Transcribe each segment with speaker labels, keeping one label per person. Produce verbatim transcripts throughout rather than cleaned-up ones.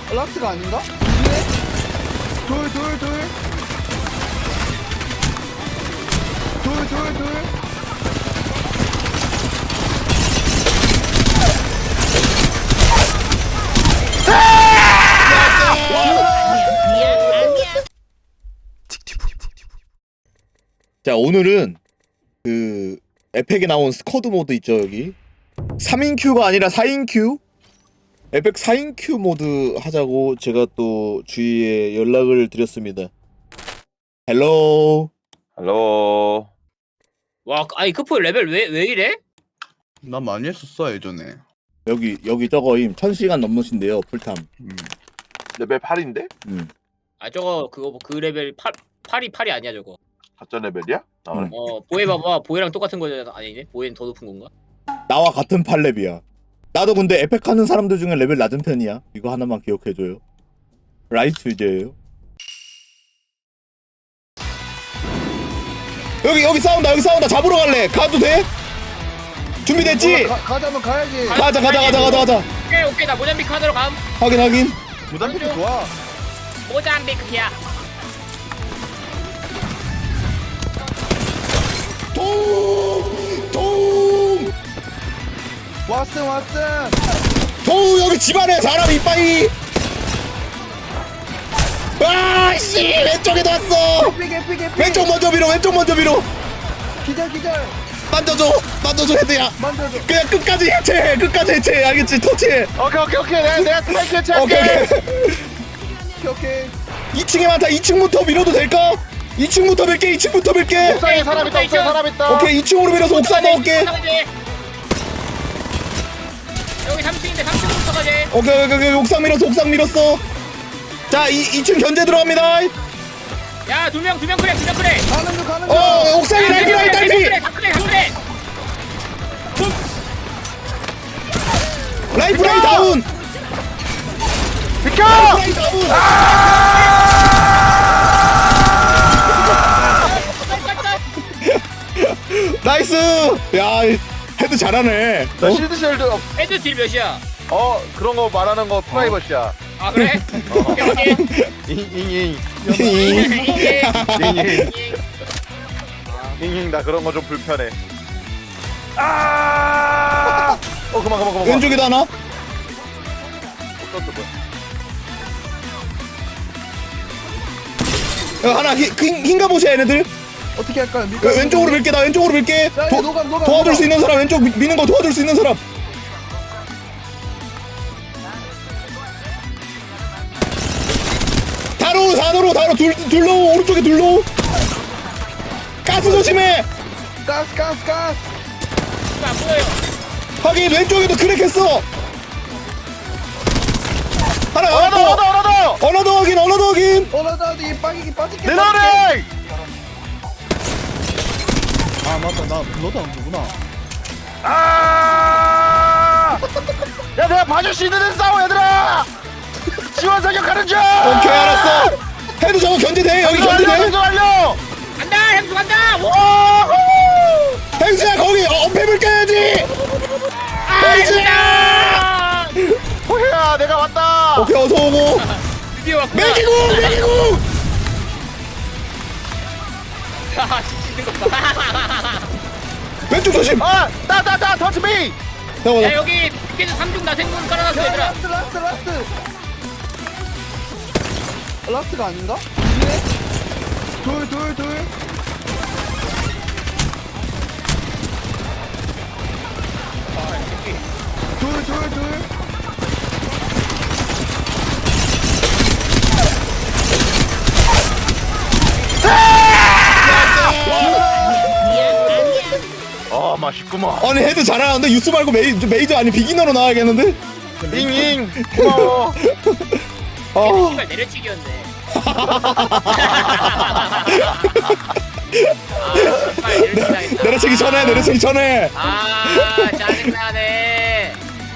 Speaker 1: 라스트가 아닌가? 둘, 둘, 둘. 둘, 둘, 둘.
Speaker 2: 자, 오늘은 그 에펙에 나온 스쿼드 모드 있죠, 여기 삼 인 큐가 아니라 사 인 큐? 에펙 사 인 큐 모드 하자고 제가 또 주위에 연락을 드렸습니다. 헬로.
Speaker 3: 헬로.
Speaker 4: 와, 아니 크포 레벨 왜 왜 이래?
Speaker 1: 난 많이 했었어 예전에.
Speaker 2: 여기 여기 저거임 천 시간 넘으신데요, 풀탐.
Speaker 1: 음.
Speaker 3: 레벨 팔인데?
Speaker 2: 음.
Speaker 4: 아 저거 그거 뭐 그 레벨 팔 팔이 팔이 아니야 저거.
Speaker 3: 가짜 레벨이야? 아, 그래?
Speaker 2: 음.
Speaker 4: 어 보혜 봐봐, 보혜랑 똑같은 거잖아. 아니네, 보혜는 더 높은 건가?
Speaker 2: 나와 같은 팔렙이야. 나도 근데 에펙 하는 사람들 중에 레벨 낮은 편이야. 이거 하나만 기억해줘요. 라이트 유저예요. 여기 여기 싸운다, 여기 싸운다. 잡으러 갈래? 가도 돼? 준비됐지?
Speaker 1: 가, 가자면 가야지.
Speaker 2: 가자 가자 가자 가자 가자.
Speaker 4: 오케이 오케이, 나 모잠비크 하나로 감.
Speaker 2: 확인 확인.
Speaker 1: 무단피도 좋아.
Speaker 4: 모잠비크야.
Speaker 2: 동! 동!
Speaker 1: 왓슨 왓슨.
Speaker 2: 동 여기 집안에 사람 이빠이. 아씨 왼쪽에도 왔어.
Speaker 1: 에픽 에픽 에픽.
Speaker 2: 왼쪽 먼저 밀어, 왼쪽 먼저 밀어.
Speaker 1: 기절 기절.
Speaker 2: 만져줘, 만져줘 헤드야.
Speaker 1: 만져줘.
Speaker 2: 그냥 끝까지 해체해, 끝까지 해체해. 알겠지? 터치해.
Speaker 3: 오케이 오케이 오케이 내가 내가 스파이크 해체할게.
Speaker 2: 오케이 오케이.
Speaker 1: 오케이 오케이.
Speaker 2: 이 층에 많다. 이 층부터 밀어도 될까? 이 층부터 밀게, 이 층부터 밀게.
Speaker 3: 옥상에 사람 있다. 옥상에 사람 있다.
Speaker 2: 오케이, 이 층으로 밀어서 옥상 먹을게.
Speaker 4: 여기 삼 층인데 삼 층부터 가지.
Speaker 2: 오케이, 오케이, 오케이. 옥상 밀었어, 옥상 밀었어. 자, 이, 이 층 견제 들어갑니다.
Speaker 4: 야, 두 명 두 명 그래, 두 명 그래.
Speaker 1: 가는 중 가는 중.
Speaker 2: 어, 옥상에 날피, 날피, 날피.
Speaker 4: 다 그래, 다 그래.
Speaker 2: 라이프 라인 다운.
Speaker 3: 비켜!
Speaker 2: 라인 다운. 나이스. 야, 헤드 잘하네.
Speaker 3: 나
Speaker 2: 어?
Speaker 3: 실드 쉘드 어,
Speaker 4: 헤드 딜 몇이야?
Speaker 3: 어 그런 거 말하는 거 프라이버시야.
Speaker 4: 아 그래? 오케이 오케이.
Speaker 3: 잉잉잉
Speaker 4: 이게
Speaker 3: 잉잉 잉잉 나 그런 거 좀 불편해. 아! 어 그만 그만 그만.
Speaker 2: 왼쪽에도 하나.
Speaker 3: 어떤 거야?
Speaker 2: 어, 하나 흰, 흰, 흰가 보시야 얘네들.
Speaker 1: 어떻게 할까요?
Speaker 2: 어,
Speaker 1: 밀까요?
Speaker 2: 왼쪽으로 밀게, 나 왼쪽으로 밀게.
Speaker 1: 야,
Speaker 2: 도,
Speaker 1: 노감, 노감,
Speaker 2: 도와줄
Speaker 1: 노감.
Speaker 2: 수 있는 사람, 왼쪽 미, 미는 거 도와줄 수 있는 사람. 다로, 다로, 다로, 둘, 둘로, 오른쪽에 둘로. 가스 조심해.
Speaker 1: 가스 가스 가스.
Speaker 4: 안 보여요.
Speaker 2: 하긴 왼쪽에도 크랙했어. 하나, 하나
Speaker 3: 어나더
Speaker 2: 더.
Speaker 3: 어나더 어나더.
Speaker 2: 어나더 확인, 어나더 확인.
Speaker 1: 어나다 이 빠지기 빠지기.
Speaker 3: 내려래.
Speaker 1: 아 맞다 나 너도 안 보구나.
Speaker 3: 아! 야 내가 봐줄 수 있는 데서 싸워 얘들아. 지원 사격하는 중.
Speaker 2: 오케이, 알았어. 헤드 저거 견제돼, 여기
Speaker 3: 완료
Speaker 2: 견제돼.
Speaker 3: 완료.
Speaker 4: 간다, 향수 간다. 오!
Speaker 2: 행수야, 거기 어패을 깨야지. 행수야.
Speaker 3: 호혜야 내가 왔다.
Speaker 2: 오케이, 어서 오고.
Speaker 4: 드디어 왔구나.
Speaker 2: 매기고, 매기고.
Speaker 4: 아, 지치는 것 봐.
Speaker 2: 왼쪽 조심.
Speaker 3: 아! 따따따 터치 미!
Speaker 2: 잠깐만.
Speaker 4: 야, 여기 피켓은 삼중 나생문 깔아놨어,
Speaker 1: 야,
Speaker 4: 얘들아.
Speaker 1: 라스트 라스트 라스트. 라스트가 아닌가? 위에? 둘 둘 둘. 둘 둘 둘.
Speaker 3: 어 맛있구만.
Speaker 2: 아니 헤드 잘하는데 유스 말고 메이, 메이저 아니 비기너로 나와야겠는데?
Speaker 3: 잉잉 고마워.
Speaker 2: 아,
Speaker 4: 씨발 내려치기였네. 아,
Speaker 2: 내려치기 전에 내려치기 전에.
Speaker 4: 아, 짜증나네.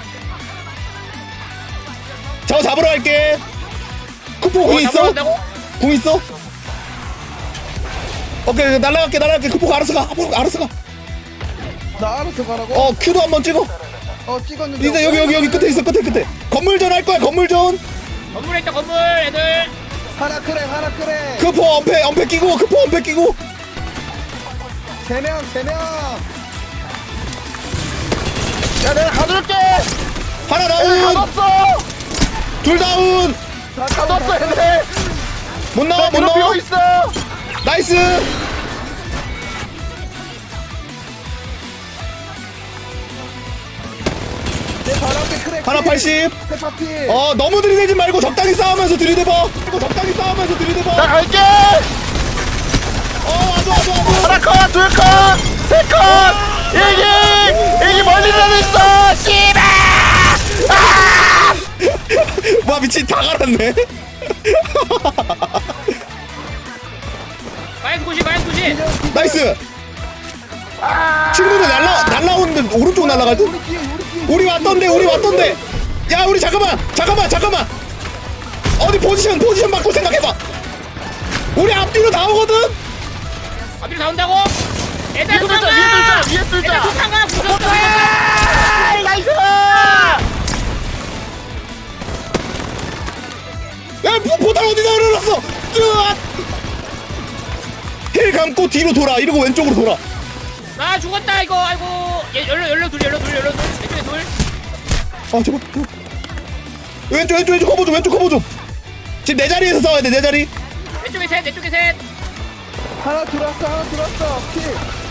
Speaker 2: 저거 잡으러 갈게. 쿠포 공 있어?
Speaker 4: 한다고?
Speaker 2: 공 있어? 오케이, 날라갈게 날라갈게. 쿠포가 알아서 가. 쿠포가 알아서 가.
Speaker 1: 나 알아서 가라고?
Speaker 2: 어, 큐도 한번 찍어.
Speaker 1: 어 찍었는데.
Speaker 2: 이제 여기 여기 여기 끝에 있어, 끝에 끝에. 건물전 할 거야, 건물전.
Speaker 4: 건물에 있다 건물 애들.
Speaker 1: 하나 크랙 하나 크랙.
Speaker 2: 크포 엄폐 엄폐 끼고 크포 엄폐 끼고.
Speaker 1: 세명 세명.
Speaker 3: 야 내가 가둘게.
Speaker 2: 하나
Speaker 3: 내가
Speaker 2: 다운.
Speaker 3: 가뒀어.
Speaker 2: 둘 다운.
Speaker 3: 가뒀어 얘네.
Speaker 2: 못 나와 못
Speaker 3: 비어
Speaker 2: 나와.
Speaker 3: 있어.
Speaker 2: 나이스.
Speaker 1: 내 바로 앞에 크랙.
Speaker 2: 하나 팔십.
Speaker 1: 페파피.
Speaker 2: 어 너무 들이대지 말고 적당히 싸우면서 들이대봐. 그리고 적당히 싸우면서 들이대봐.
Speaker 3: 나 갈게.
Speaker 2: 어 와줘 와줘 와줘.
Speaker 3: 하나 컷, 둘 컷, 세 컷. 이기, 이기 멀리라도 있어. 씨발. 아!
Speaker 2: 와 미친 다 갈았네.
Speaker 4: 마이너스 구십 마이너스 구십.
Speaker 2: 나이스. 친구들 날라 날라오는데 오른쪽 날라갈 듯.
Speaker 1: 우리 뒤에 우리 뒤에.
Speaker 2: 우리 왔던데 우리 왔던데. 야 우리 잠깐만 잠깐만 잠깐만. 어디 포지션 포지션 바꿔 생각해봐. 우리 앞뒤로 나오거든.
Speaker 4: 앞뒤로 나온다고? 애들
Speaker 3: 위에 뚫자,
Speaker 4: 도망가!
Speaker 3: 위에 뚫자, 위에
Speaker 4: 애들
Speaker 3: 뚫자.
Speaker 4: 도망가! 부쉈어!
Speaker 3: 아, 나이스.
Speaker 2: 야 포- 포탈 어디다 흘러놨어. 뜨아. 힐 감고 뒤로 돌아. 이러고 왼쪽으로 돌아.
Speaker 4: 아 죽었다 이거 아이고 얘 열려 열려 둘 열려 둘 열려 둘 왼쪽에 둘.
Speaker 2: 아 저거 저거. 왼쪽 왼쪽 왼쪽 커버 좀 왼쪽 커버 좀. 지금 내 자리에서 싸워야 돼 내 자리.
Speaker 4: 왼쪽에 셋 왼쪽에 셋.
Speaker 1: 하나 들어왔어 하나 들어왔어. 킬.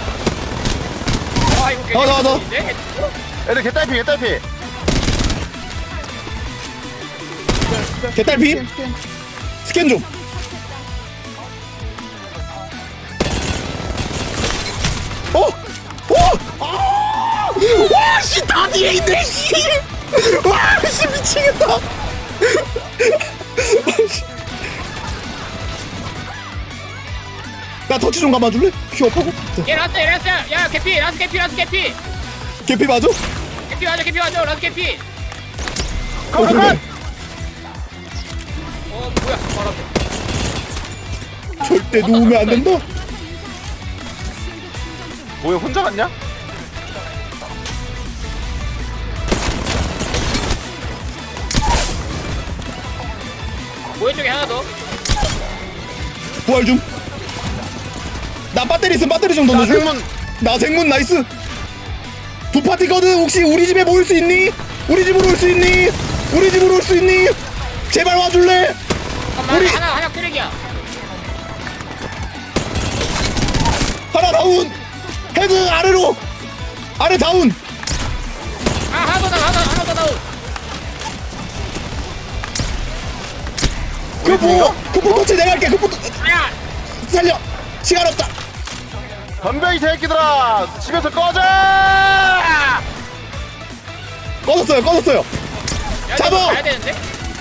Speaker 4: 아 이거
Speaker 2: 더, 더, 더.
Speaker 4: 네?
Speaker 3: 애들 개딸피, 개딸피.
Speaker 2: 개딸피.
Speaker 1: 스캔, 스캔.
Speaker 2: 스캔 좀. 어? 어? 아! 와, 씨, 다 뒤에 있네, 씨! 와, 씨, 미치겠다! 아, 씨. 나 터치 좀 감아줄래? 휴업하고.
Speaker 4: 얘 라스트 얘 라스트 야 개피 라스트 개피 라스트 개피
Speaker 2: 개피 맞아?
Speaker 4: 개피 맞아 개피 맞아 라스트 개피.
Speaker 2: 어, 그래.
Speaker 4: 어 뭐야 바로 앞에.
Speaker 2: 절대 누우면 안 된다.
Speaker 3: 뭐야 혼자 갔냐?
Speaker 4: 모여 쪽에 하나 더.
Speaker 2: 부활 좀. 나 배터리 있으면 배터리 좀
Speaker 3: 나
Speaker 2: 던져줘.
Speaker 3: 생문.
Speaker 2: 나 생문 나이스. 두 파티거든. 혹시 우리 집에 모일 수 있니? 우리 집으로 올 수 있니? 우리 집으로 올 수 있니? 제발 와줄래?
Speaker 4: 잠깐만
Speaker 2: 우리-
Speaker 4: 하나 하나 쓰레기야.
Speaker 2: 하나 다운. 헤드 아래로. 아래 다운.
Speaker 4: 아 하나 더 나와 하나 하나 더 나와.
Speaker 2: 그포 그포 터치 내가 할게. 그포 터-
Speaker 4: 야
Speaker 2: 살려. 시간 없다.
Speaker 3: 덤벼 이 새끼들아. 집에서 꺼져.
Speaker 2: 꺼졌어요. 꺼졌어요.
Speaker 4: 야,
Speaker 2: 잡아!
Speaker 4: 이거 가야 되는데.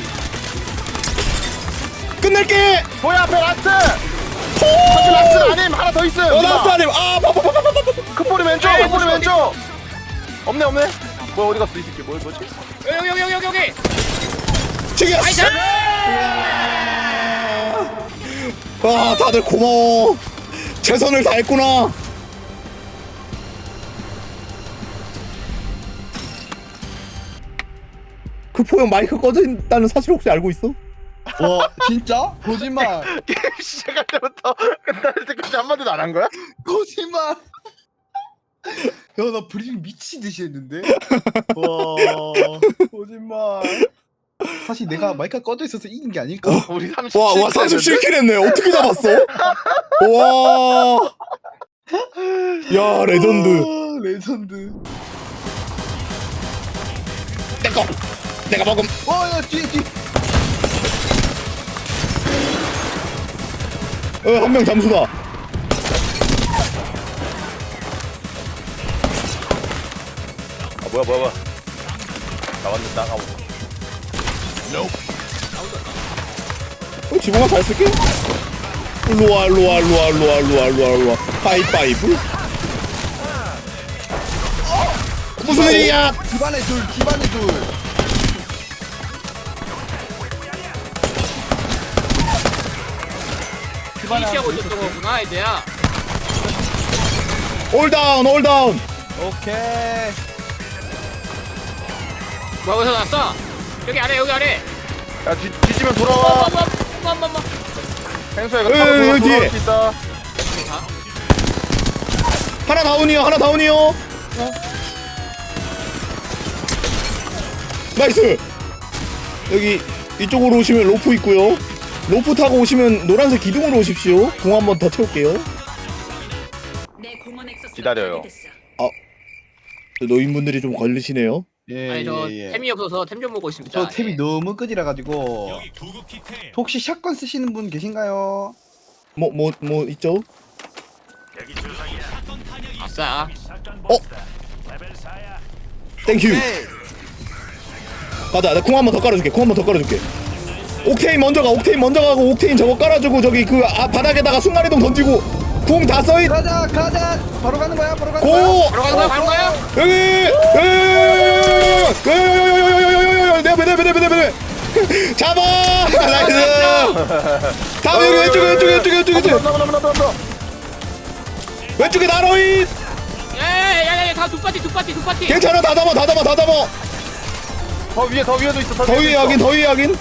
Speaker 2: 끝낼게.
Speaker 3: 뭐야 앞에 라스트. 사실 라스트 아님 하나 더 있음.
Speaker 2: 어 나스 아님. 아 파파파파파.
Speaker 3: 크포리 왼쪽,
Speaker 4: 에이,
Speaker 3: 크포리
Speaker 4: 어디,
Speaker 3: 왼쪽. 없네 없네. 뭐야 어디 갔어 이 새끼. 뭐야 뭐지?
Speaker 4: 여기 여기 여기 여기 여기.
Speaker 2: 죽였어.
Speaker 4: 나이스.
Speaker 2: 아 다들 고마워. 최선을 다했구나. 그 포형 마이크 꺼져 있다는 사실 혹시 알고 있어?
Speaker 1: 와 진짜? 거짓말.
Speaker 3: 게임 시작할 때부터 끝날 때까지 한마디도 안 한 거야?
Speaker 1: 거짓말. 야나 브리핑 미치듯이 했는데. 와 거짓말. 사실 내가 마이크가 꺼져 있어서 이긴 게 아닐까?
Speaker 3: 우리 삼십칠.
Speaker 2: 와, 와, 삼십칠 킬 했네. 어떻게 잡았어? 와. 야, 레전드.
Speaker 1: 아, 레전드.
Speaker 2: 내꺼. 내가 먹음.
Speaker 1: 와야 뒤에 뒤에.
Speaker 2: 어, 한 명 잠수다.
Speaker 3: 아 뭐야 뭐야 뭐야. 나왔는데 나가고.
Speaker 2: 어, 지붕아 잘 쓸게. 일로와, 일로와, 일로와, 일로와, 일로와, 일로와, 일로와. 하이파이브. 무슨 일이야?
Speaker 1: 집안에 둘 집안에 둘.
Speaker 4: 피니시하고 있었던 거구나 애들야.
Speaker 2: 올 다운, 올 다운.
Speaker 1: 오케이.
Speaker 4: 뭐야 어디서 났어? 여기 아래 여기 아래.
Speaker 3: 야 뒤, 뒤지면 돌아와.
Speaker 4: 엄마엄마엄마엄마.
Speaker 3: 행수야 이거
Speaker 2: 에이,
Speaker 3: 타고 돌아,
Speaker 2: 여기 뒤에.
Speaker 3: 돌아올 수 있다.
Speaker 2: 하나 다운이요 하나 다운이요. 나이스. 여기 이쪽으로 오시면 로프 있고요. 로프 타고 오시면 노란색 기둥으로 오십시오. 공 한 번 더 채울게요.
Speaker 3: 기다려요.
Speaker 2: 노인분들이 좀 걸리시네요.
Speaker 1: 예,
Speaker 4: 아니 저
Speaker 1: 예, 예.
Speaker 4: 템이 없어서 템 좀 먹고 있습니다.
Speaker 1: 저 템이
Speaker 4: 예.
Speaker 1: 너무 끄지라 가지고. 혹시 샷건 쓰시는 분 계신가요?
Speaker 2: 뭐 뭐 뭐 있죠?
Speaker 4: 아싸.
Speaker 2: 땡큐. 가자. 나 콩 한 번 더 깔아줄게. 콩 한 번 더 깔아줄게. 옥테인 먼저 가. 옥테인 먼저 가고 옥테인 저거 깔아주고 저기 그 아, 바닥에다가 순간이동 던지고 궁 다 써있.
Speaker 1: 가자 가자. 바로 가는 거야. 바로 가는
Speaker 2: 고!
Speaker 1: 거야.
Speaker 4: 바로 가는 거야 가는 거야?
Speaker 2: 여기! 내 앞에 내 앞에 내 앞에 내 앞에 잡아! 나이스! 다음 여기 왼쪽에 왼쪽에 왼쪽에 왼쪽에 왼쪽에
Speaker 3: 넘어 넘어 넘어 넘어.
Speaker 2: 왼쪽에 나로인!
Speaker 4: 야야야야 다 두 파티 두 파티 두 파티.
Speaker 2: 괜찮아 다 담아 다 담아 다 담아
Speaker 3: 더 위에 더 위에도 있어.
Speaker 2: 더 위에 확인 더 위에 확인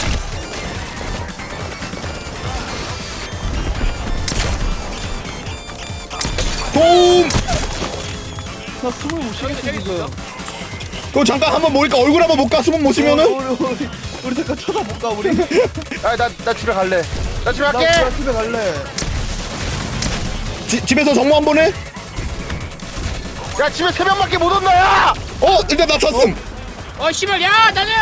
Speaker 2: 도움!
Speaker 1: 나 숨을 못 쉬겠어 지금.
Speaker 2: 그거 잠깐 한번 모일까 얼굴 한번 볼까 숨은 못 쉬면은?
Speaker 1: 우리 우리 우리 잠깐 쳐다볼까 우리.
Speaker 3: 아나나 집에 갈래. 나 집에
Speaker 1: 나
Speaker 3: 갈게.
Speaker 1: 나 집에 갈래.
Speaker 2: 지, 집에서 정모 한 번 해?
Speaker 3: 야 집에 세 명밖에 못 온다 야.
Speaker 2: 어 일단 나 찼음
Speaker 4: 어 씨발 야 나는.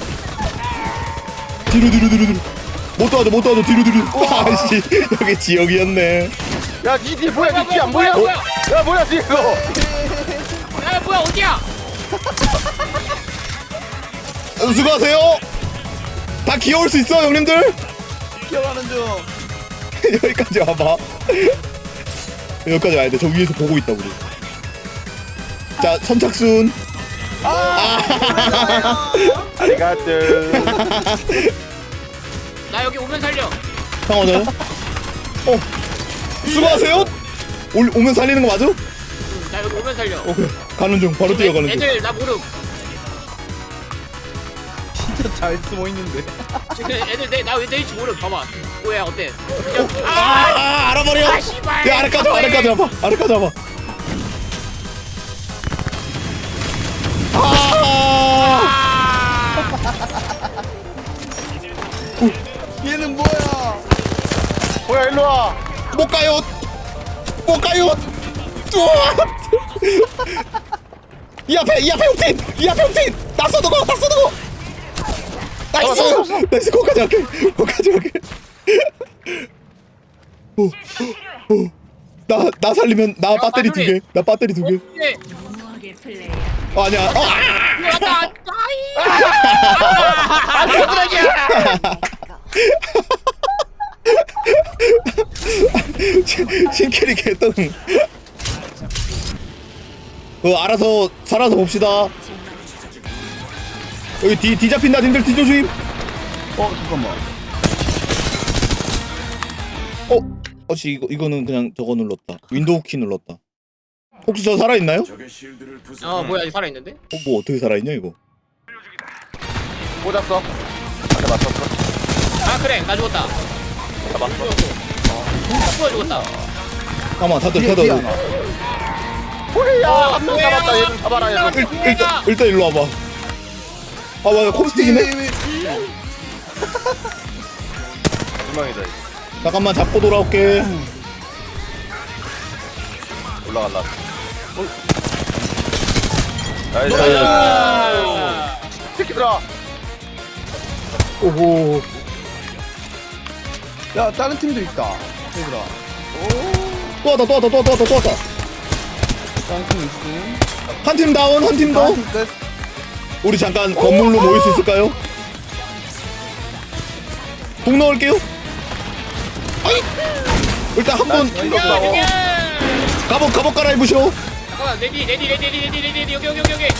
Speaker 2: 뒤로 뒤로 뒤로 뒤로 못 도와줘 못 도와줘 뒤로 뒤로 아씨 여기 지역이었네
Speaker 3: 야니 뒤에 뭐야?
Speaker 4: 뭐야,
Speaker 3: 니 뒤에 안
Speaker 4: 뭐야,
Speaker 3: 보여?
Speaker 4: 뭐야,
Speaker 3: 야 뭐야 뒤에 너.
Speaker 4: 야 뭐야 어디야?
Speaker 2: 수고하세요 다 귀여울 수 있어 형님들
Speaker 1: 기어가는 중.
Speaker 2: 여기까지 와봐 여기까지 와야 돼저 위에서 보고 있다 우리 자 선착순
Speaker 3: 아리가뜨.
Speaker 4: 나 여기 오면 살려.
Speaker 2: 상황은 어 수고하세요 올, 오면 살리는 거 맞아?
Speaker 4: 응, 나 여기 오면 살려.
Speaker 2: 오케이 가는 중 바로 뛰어가는 중
Speaker 4: 애들 나 모름.
Speaker 1: 진짜 잘 숨어 있는데.
Speaker 4: 지금 애들 내나왜 내일지 모름. 봐봐. 뭐야 어때?
Speaker 2: 아, 아 알아버려
Speaker 4: 아, 씨발.
Speaker 2: 야 아래까지 와 아래까지 와봐 아래까지 와봐 아
Speaker 1: 얘는 뭐야?
Speaker 3: 뭐야 일로 와.
Speaker 2: 못 가요 못 가요 우와. 이 앞에 이 앞에 옥틴 이 앞에 옥틴 났어 누구 났어 누구 나이스 나이스 거기까지 갈게 거기까지 갈게 나 나 살리면 나 배터리
Speaker 4: 마누리.
Speaker 2: 두개나 배터리 두개
Speaker 4: 네.
Speaker 2: 어, 아니야 어, 아!
Speaker 4: 왔다. 아이.
Speaker 2: 신캐리 개똥 어 알아서 살아서 봅시다 여기 뒤, 뒤 잡힌다 님들 뒤 조심
Speaker 1: 어 잠깐만.
Speaker 2: 어? 어씨 이거, 이거는 그냥 저거 눌렀다 윈도우 키 눌렀다 혹시 저 살아있나요?
Speaker 4: 어 뭐야 살아 있는데?
Speaker 2: 어, 뭐 어떻게 살아있냐 이거
Speaker 3: 꽂았어. 안에 맞췄어.
Speaker 4: 아 그래 나 죽었다.
Speaker 3: 잡았어.
Speaker 4: 나 죽었다.
Speaker 2: 잠깐만 다들
Speaker 1: 뒤에,
Speaker 2: 다들
Speaker 1: 뒤에
Speaker 2: 일,
Speaker 1: 하나.
Speaker 3: 호이야
Speaker 4: 어,
Speaker 3: 한 명
Speaker 4: 뭐야.
Speaker 3: 잡았다. 얘 좀 잡아라 얘 좀.
Speaker 4: 일-
Speaker 2: 일단 일단 일로 와봐 아 맞아 콤스틱이네
Speaker 3: 분명이다.
Speaker 2: 잠깐만 잡고 돌아올게
Speaker 3: 올라갈라. 나이스.
Speaker 4: 아.
Speaker 3: 새끼들아.
Speaker 2: 오호
Speaker 1: 야 다른 팀도 있다. 얘들아.
Speaker 2: 또 왔다 또 왔다 또 왔다 또 왔다
Speaker 1: 다른 팀 있음.
Speaker 2: 한 팀 다운 한 팀 더
Speaker 1: 다른 팀 끝.
Speaker 2: 우리 잠깐 건물로 모일 수 있을까요? 공 넣을게요 아이 일단 한번
Speaker 4: 여기.
Speaker 2: 갑옷 갑옷 갈아입으셔
Speaker 4: 잠깐만 레디 레디 레디 레디 레디 레디 여기 여기 여기 여기.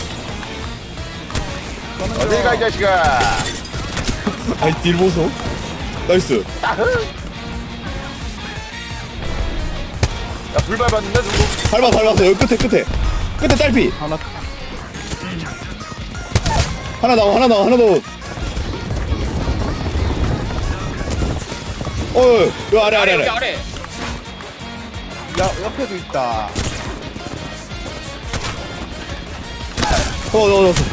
Speaker 3: 어딜 가 이 자식아.
Speaker 2: 아이 딜 보소 나이스
Speaker 3: 야불 밟았는데 누구?
Speaker 2: 밟아 밟았어 여기 끝에 끝에 끝에 딸피
Speaker 1: 하나.
Speaker 2: 하나 나와 하나 나와 하나 나와 어, 여 아래 아래
Speaker 4: 여기
Speaker 2: 아래.
Speaker 4: 아래.
Speaker 1: 야 옆에도 있다.
Speaker 2: 어, 어, 어.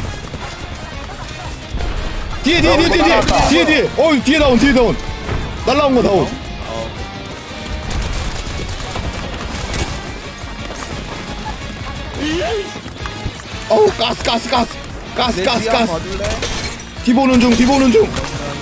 Speaker 2: 뒤에 뒤에 뒤에 뒤에 뒤에 뒤에 뒤에. 어, 뒤에 다운 뒤에 다운. 날라온 거 다운. 어우 가스 가스 가스 가스
Speaker 1: 내
Speaker 2: 가스
Speaker 1: 뒤에 한번
Speaker 2: 가스.
Speaker 1: 봐줄래?
Speaker 2: 뒤보는 중 뒤보는 중.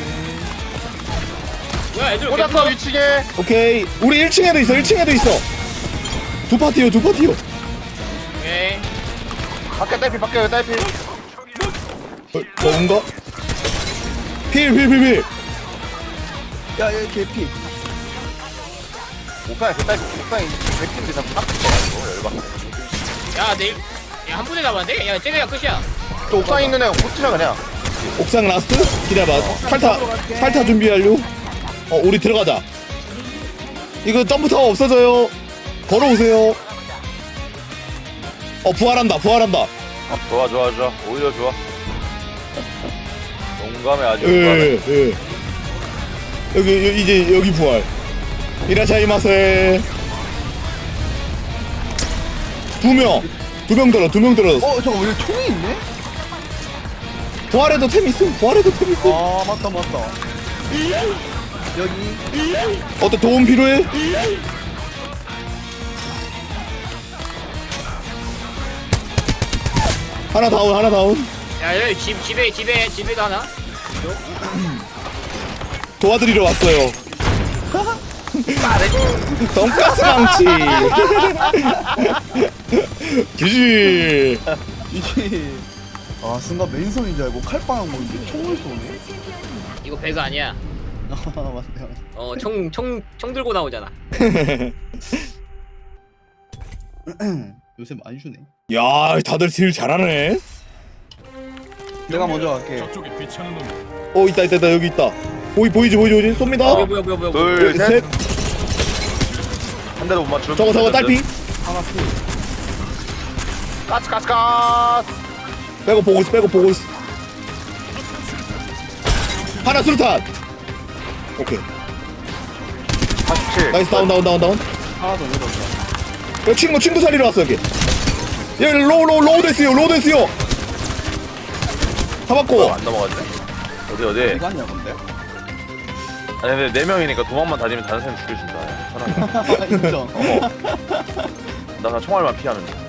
Speaker 4: 뭐야 애들
Speaker 3: 꽂았어
Speaker 4: 개뿔.
Speaker 3: 위치게.
Speaker 2: 오케이. 우리 일 층에도 있어 일 층에도 있어. 두 파티요 두 파티요.
Speaker 4: 오케이.
Speaker 3: 밖에 딸피 밖에 딸피.
Speaker 2: 어, 뭔가? 필필필필.
Speaker 1: 야 여기 개피.
Speaker 3: 옥상에 그 딸피 옥상에 백팀 이상 딱 붙어가지고 열받네.
Speaker 4: 야 내일 야한 분에 남았는데? 야 쟤네가 끝이야.
Speaker 3: 저 옥상에 있는 애 붙이면 그냥.
Speaker 2: 옥상 라스트? 기다려봐. 탈타 탈타 준비 완료. 어 우리 들어가자. 이거 점프타워 없어져요. 걸어오세요. 어 부활한다 부활한다.
Speaker 3: 좋아 좋아 좋아 오히려 좋아. 용감해 아주 용감해.
Speaker 2: 예, 예. 여기 여- 이제 여기 부활. 이라샤이마세. 두 명. 두 명 들어 두 명 들어.
Speaker 1: 어 저거 왜 총이 있네?
Speaker 2: 부활에도 템 있음. 부활에도 템 있음.
Speaker 1: 아 맞다 맞다. 여기.
Speaker 2: 어때 도움 필요해? 하나 다운 하나 다운.
Speaker 4: 야 여기 집 집에 집에 집에도 하나.
Speaker 2: 도와드리러 왔어요. 돈가스 망치. 규지.
Speaker 1: 이게 아 순간 맨손인 줄 알고 칼빵한 건데 총을 쏘네.
Speaker 4: 이거 배가 아니야.
Speaker 1: 아 맞네 맞네.
Speaker 4: 어 총 총 총 들고 나오잖아.
Speaker 1: 요새 많이 주네.
Speaker 2: 야 다들 딜 잘하네.
Speaker 1: 내가 먼저 갈게.
Speaker 2: 어 있다 있다 있다 여기 있다. 보이 보이지 보이지 보이지 쏩니다.
Speaker 4: 뭐야 뭐야 뭐야 뭐야.
Speaker 3: 둘
Speaker 2: 여기
Speaker 3: 셋.
Speaker 2: 셋.
Speaker 3: 한 대도 못 맞추면.
Speaker 2: 저거 저거 딸피.
Speaker 1: 하나 풀.
Speaker 3: 가스 가스 가스.
Speaker 2: 빼고 보고 있어 빼고 보고 있어. 하나 수류탄. 오케이
Speaker 3: 사십칠.
Speaker 2: 나이스 다운 다운 다운 다운.
Speaker 1: 하나 더 내렸다.
Speaker 2: 여기 친구 친구 살리러 왔어 여기. 여기 로우 로우 로우 됐어요 로우 됐어요. 잡았고.
Speaker 3: 안 넘어갔네. 어디 어디.
Speaker 1: 이거 아니야 근데?
Speaker 3: 아니 근데 네 명이니까 도망만 다니면 다른 사람 죽여준다. 편하게.
Speaker 1: 인정.
Speaker 3: 어. 나 그냥 총알만 피하면 돼.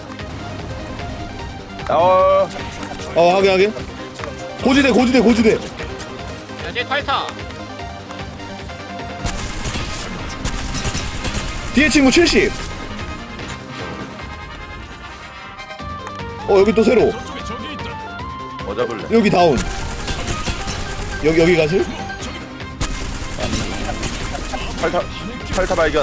Speaker 3: 어.
Speaker 2: 어 하게 하게. 고지대 고지대 고지대.
Speaker 4: 야쟤 탈타.
Speaker 2: 뒤에 친구 칠십. 어 여기 또 새로.
Speaker 3: 뭐 잡을래?
Speaker 2: 여기 다운. 여기 여기 가실?
Speaker 3: 팔타 팔타 발견.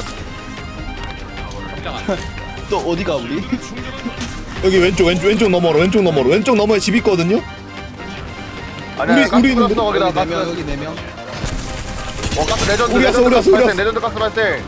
Speaker 4: 깜짝아.
Speaker 1: 또 어디가 우리?
Speaker 2: 여기 왼쪽 왼쪽 왼쪽 너머로 왼쪽 너머로 왼쪽 너머에 집 있거든요.
Speaker 3: 아니야
Speaker 2: 우리-
Speaker 3: 가스
Speaker 2: 우리
Speaker 3: 뿌렸어
Speaker 2: 있는데?
Speaker 3: 거기다
Speaker 1: 여기 네
Speaker 3: 가스.
Speaker 1: 명 여기 네 명.
Speaker 3: 어 가스 레전드
Speaker 2: 우리 왔어,
Speaker 3: 레전드
Speaker 2: 우리
Speaker 3: 가스
Speaker 2: 왔어, 우리
Speaker 3: 발생
Speaker 2: 왔어.
Speaker 3: 레전드 가스 발생.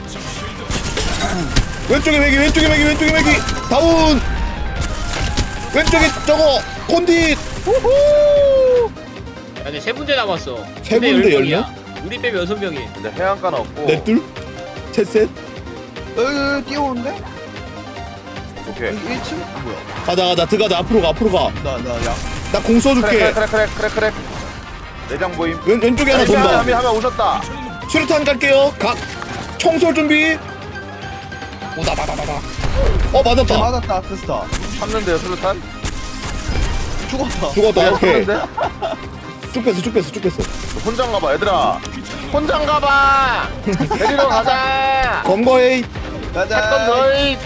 Speaker 2: 왼쪽에 매기 왼쪽에 매기 왼쪽에 매기 다운. 왼쪽에 저거 콘딧. 우후.
Speaker 4: 야 근데 세 군데 남았어.
Speaker 2: 세
Speaker 4: 근데
Speaker 2: 군데
Speaker 4: 열 명이야. 우리 빼면 여섯 명이.
Speaker 3: 근데 해안가는 없고.
Speaker 2: 넷둘 셋셋.
Speaker 1: 여기 여기 뛰어오는데?
Speaker 3: 오케이.
Speaker 1: 여기 일 층? 뭐야?
Speaker 2: 가자 가자 들어가자 앞으로 가 앞으로 가.
Speaker 1: 나 나 야.
Speaker 2: 나 공
Speaker 3: 크랙
Speaker 2: 써줄게.
Speaker 3: 크랙 크랙 크랙 크랙. 내장 보임.
Speaker 2: 왼 왼쪽에 하나
Speaker 3: 한명
Speaker 2: 돈다.
Speaker 3: 한명 오셨다.
Speaker 2: 수류탄 갈게요. 각 총쏠 준비. 오다다다다다. 어
Speaker 1: 어,
Speaker 2: 맞았다.
Speaker 1: 맞았다 아크스타.
Speaker 3: 참는데요 수류탄?
Speaker 1: 죽었다.
Speaker 2: 죽었다. 오케이.
Speaker 3: 참는데?
Speaker 2: 쭉 뺐어 쭉 뺐어 쭉 뺐어.
Speaker 3: 혼장 가봐 얘들아. 혼장 가봐. 데리러 가자.
Speaker 2: 검거에
Speaker 3: 했던
Speaker 1: 가자.
Speaker 3: 저희.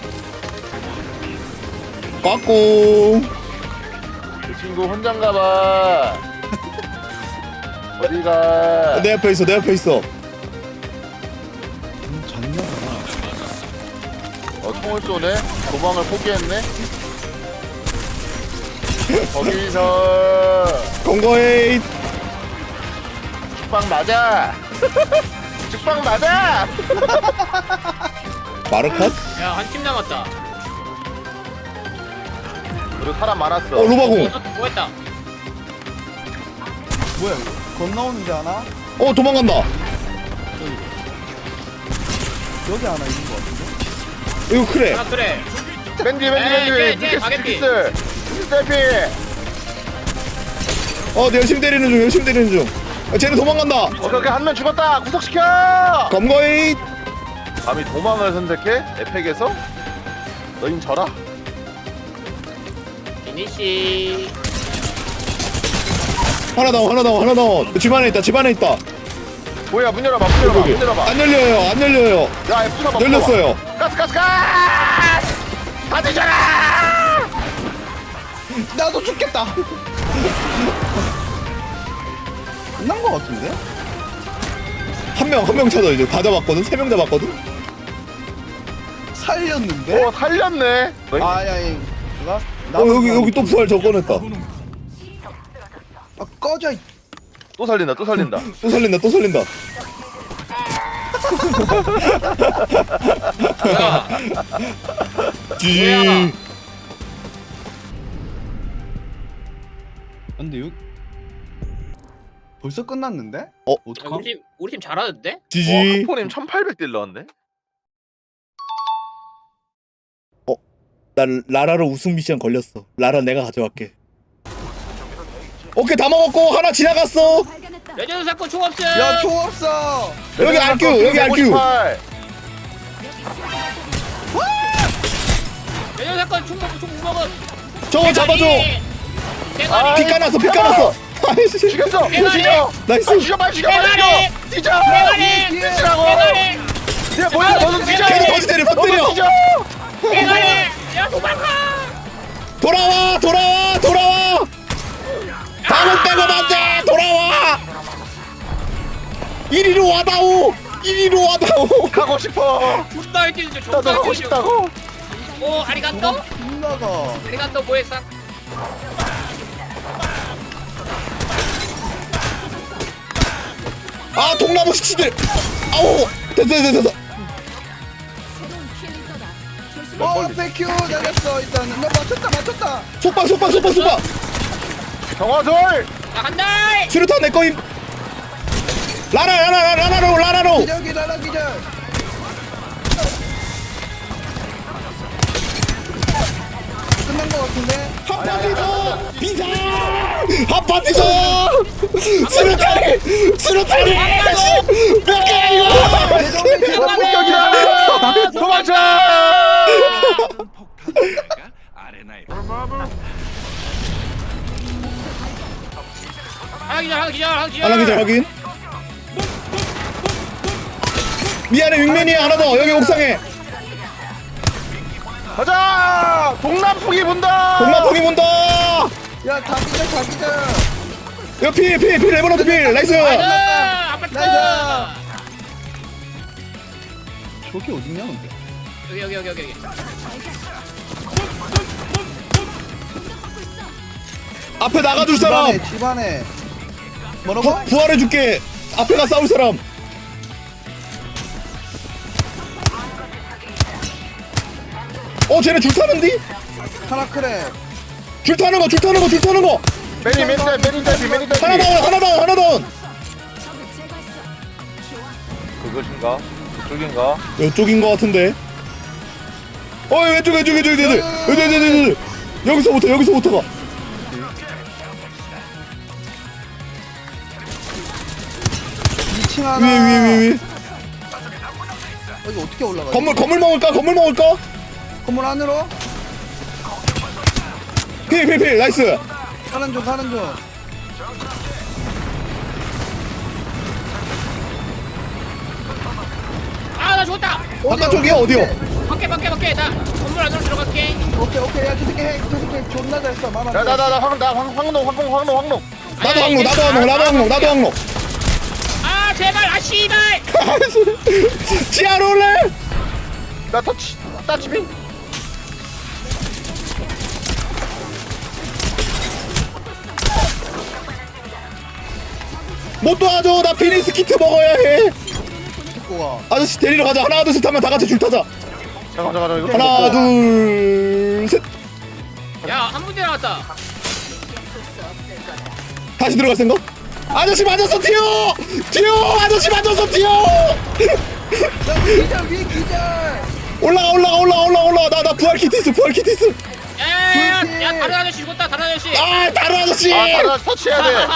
Speaker 2: 꽉꿍.
Speaker 3: 그 친구 혼장 가봐. 어디가?
Speaker 2: 내 앞에 있어 내 앞에 있어.
Speaker 1: 음, 장난하나.
Speaker 3: 어 총을 쏘네. 도망을 포기했네. 거기서
Speaker 2: 검거에
Speaker 3: 죽방 맞아. 죽방 맞아.
Speaker 2: 마르컷.
Speaker 4: 야 한 팀 남았다.
Speaker 3: 그리고 사람 많았어.
Speaker 2: 어 로바공.
Speaker 4: 어, 뭐 했다.
Speaker 1: 뭐야 이거? 건너오는데 하나?
Speaker 2: 어 도망간다.
Speaker 1: 저기. 여기 하나 있는 거 같은데?
Speaker 2: 이거 그래.
Speaker 4: 아 그래.
Speaker 3: 맨디 맨디
Speaker 4: 에이,
Speaker 3: 맨디
Speaker 4: 쟤, 쟤
Speaker 3: 뉴캐스
Speaker 4: 가겠지.
Speaker 3: 뉴캐스 뉴캐스 대피.
Speaker 2: 어, 내 열심히 때리는 중, 열심히 때리는 중. 아, 쟤는 도망간다.
Speaker 3: 오케이 오케이 한 명 죽었다. 구속시켜.
Speaker 2: 검거이.
Speaker 3: 감히 도망을 선택해? 에펙에서? 너흰 져라.
Speaker 4: 비니씨.
Speaker 2: 하나 다운, 하나 다운, 하나 다운. 집 안에 있다, 집 안에 있다.
Speaker 3: 뭐야 문 열어봐 문 열어봐
Speaker 2: 여기.
Speaker 3: 문 열어봐.
Speaker 2: 안 열려요, 안 열려요.
Speaker 3: 야 F 잡아.
Speaker 2: 열렸어요.
Speaker 3: 가스 가스 가스. 다 뒤져라.
Speaker 1: 나도 죽겠다. 끝난 거 같은데?
Speaker 2: 한 명, 한 명 찾아 이제 다 잡았거든. 세 명 잡았거든.
Speaker 1: 살렸는데?
Speaker 3: 오 살렸네. 너희
Speaker 1: 아야, 나.
Speaker 2: 어, 여기 여기 또 부활 저 꺼냈다.
Speaker 1: 아, 꺼져. 이-
Speaker 3: 또 살린다 또 살린다.
Speaker 2: 또 살린다, 또 살린다. 지.
Speaker 4: 뭐야?
Speaker 1: 근데 여기 벌써 끝났는데?
Speaker 2: 어,
Speaker 1: 어떡하?
Speaker 4: 우리 팀 우리 팀 잘하는데?
Speaker 3: 와
Speaker 2: 지지.
Speaker 3: 크포님 천팔백 딜 넣었네.
Speaker 2: 난 라라로 우승 미션 걸렸어. 라라 내가 가져갈게. 오케이, 다 먹었고 하나 지나갔어.
Speaker 4: 레전드 사건 총 없음.
Speaker 1: 야, 총 없어.
Speaker 2: 여기 알큐, 여기 알큐.
Speaker 4: 레전드 사건 총 먹고 총못 먹음.
Speaker 2: 저거 잡아줘.
Speaker 4: 대가리.
Speaker 2: 피 까놨어, 피 까놨어. 아이씨.
Speaker 3: 죽였어.
Speaker 4: 대가리!
Speaker 3: 죽여.
Speaker 2: 나이스.
Speaker 3: 빨리 죽여 빨리 죽여 빨리
Speaker 4: 대가리!
Speaker 3: 죽여. 뒤져.
Speaker 4: 대가리.
Speaker 3: 뒤지라고.
Speaker 4: 대가리.
Speaker 3: 야 뭐야 너도 뒤져.
Speaker 2: 계속 버스 때려, 버스 때려.
Speaker 3: 너도 뒤져.
Speaker 4: 대가리. 야 도망가.
Speaker 2: 돌아와, 돌아와, 돌아와. 다못 빼고 안돼. 돌아와. 이리로 와다오. 이리로 와다오.
Speaker 3: 가고 싶어.
Speaker 4: 존나 할게 진짜
Speaker 3: 나도
Speaker 4: 존나
Speaker 3: 가고
Speaker 4: 할게.
Speaker 3: 싶다고.
Speaker 4: 오 아리가또.
Speaker 1: 빗나가.
Speaker 4: 아리가또 모액상.
Speaker 2: 아, 동나무 식치들. 아우. 됐어, 됐어, 됐어.
Speaker 1: 어, 땡큐. 날렸어. 일단 나 맞췄다, 맞췄다.
Speaker 2: 속박, 속박, 속박, 속박.
Speaker 3: 경화돌.
Speaker 4: 나 간다.
Speaker 2: 수류탄 내 거임. 라라, 라라, 라라로, 라라로.
Speaker 1: 기적이 날아 기적. 끝난 거 같은데?
Speaker 2: 한 파티 더. 비사. 한 파티 더. 수류탄이, 수류탄이. 뭐야 이거?
Speaker 3: 와 폭격이다. 도망쳐.
Speaker 4: 하나 기절 하나 기절 하나 기절.
Speaker 2: 하나 기절 확인. 미안해, 윙맨이 하나 더. 여기 옥상에.
Speaker 3: 가자. 동남풍이 분다.
Speaker 2: 동남풍이 본다.
Speaker 1: 야, 다 기적, 다 기적.
Speaker 2: 야, 필, 필, 필, 레버넌트 필. 나이스.
Speaker 4: 나이스. 아파트.
Speaker 1: 나이스. 저기 어딨냐, 근데?
Speaker 4: 여기 여기 여기 여기 여기.
Speaker 2: 앞에 나가줄 사람.
Speaker 1: 집안에, 집안에. 뭐라고?
Speaker 2: 부, 부활해줄게. 앞에 가 싸울 사람. 어, 쟤네 줄 타는디?
Speaker 1: 하나 크래.
Speaker 2: 줄 타는 거, 줄 타는 거, 줄 타는 거.
Speaker 3: 매니 매니 매니 대피 매니 대피.
Speaker 2: 하나 다운, 하나 다운, 하나 다운.
Speaker 3: 그것인가? 그쪽인가?
Speaker 2: 이쪽인 거 같은데. 어, 왼쪽, 왼쪽, 왼쪽, 왼쪽, 왼쪽, 왼쪽, 왼쪽, 왼쪽. 여기서부터, 여기서부터가.
Speaker 1: 이 층 하나.
Speaker 2: 위에, 위에, 위에, 위에.
Speaker 1: 어, 이거 어떻게 올라가?
Speaker 2: 건물, 건물 먹을까? 건물 먹을까?
Speaker 1: 건물 안으로?
Speaker 2: 필, 필, 필. 나이스.
Speaker 1: 사는 중, 사는 중.
Speaker 4: 아나 죽었다.
Speaker 2: 바깥쪽이야, 어디요?
Speaker 4: 밖에 밖에 밖에 나 건물 안으로 들어갈게.
Speaker 1: 오케이, 오케이. 야, 저 새끼 해. 저 새끼 존나 잘 써. 말안 돼.
Speaker 3: 나나나나 황나 황농 황농 황농 황농.
Speaker 2: 나도 항로, 나도 항로, 나도 항로, 나도 항로.
Speaker 4: 아 제발 아 씨발.
Speaker 2: 지하로 올래?
Speaker 3: 나 터치 따치비.
Speaker 2: 못 도와줘. 나 피니스 키트 먹어야 해.
Speaker 1: 듣고 가.
Speaker 2: 아저씨 데리러 가자. 하나, 둘, 셋 하면 다 같이 줄 타자.
Speaker 3: 잠깐 잠깐 잠깐 이거
Speaker 2: 하나, 둘, 셋.
Speaker 4: 야한 문제 나왔다.
Speaker 2: 다시 들어갈 생각? 아저씨 맞았어, 튀어! 튀어! 아저씨 맞았어, 튀어!
Speaker 1: 야, 기절 위에 기절.
Speaker 2: 올라가 올라가 올라가 올라가 올라가 나 나 부활 키트 있어 부활 키트 있어.
Speaker 4: 야야야 야 다른 아저씨 죽었다 다른 아저씨.
Speaker 2: 아 다른 아저씨.
Speaker 3: 아 다른 터치해야 돼.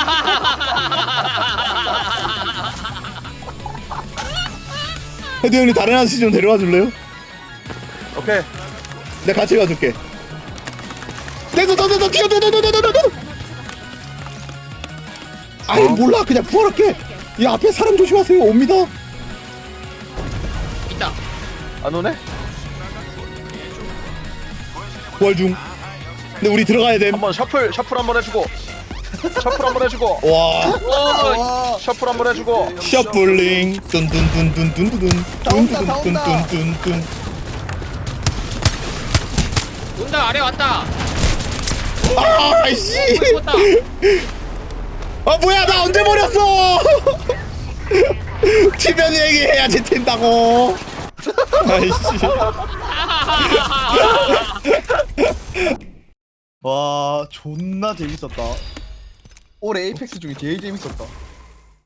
Speaker 2: 헤드 형님 다른 아저씨 좀 데려와 줄래요?
Speaker 3: 오케이.
Speaker 2: 내가 같이 가줄게. 내도 너도 너 뛰어 너도 너도 너도 너도. 아이 몰라 그냥 부활할게. 이 앞에 사람 조심하세요. 옵니다.
Speaker 4: 있다.
Speaker 3: 안 오네?
Speaker 2: 부활 중. 근데 우리 들어가야 됨.
Speaker 3: 한번 셔플 셔플 한번 해주고. 셔플 한번 해주고.
Speaker 2: 와.
Speaker 4: 오.
Speaker 1: 와.
Speaker 3: 셔플 한번 해주고.
Speaker 2: 셔플링 뚠뚠뚠뚠뚠뚠
Speaker 1: 다 온다, 다 온다.
Speaker 2: 뚠뚠뚠뚠뚠.
Speaker 4: 온다 아래 왔다.
Speaker 2: 아이씨.
Speaker 4: 죽었다.
Speaker 2: 아 뭐야 나 언제 버렸어? 티변 얘기해야지 튄다고. 아이씨.
Speaker 1: 와 존나 재밌었다. 올해 에이펙스 중에 제일 재밌었다.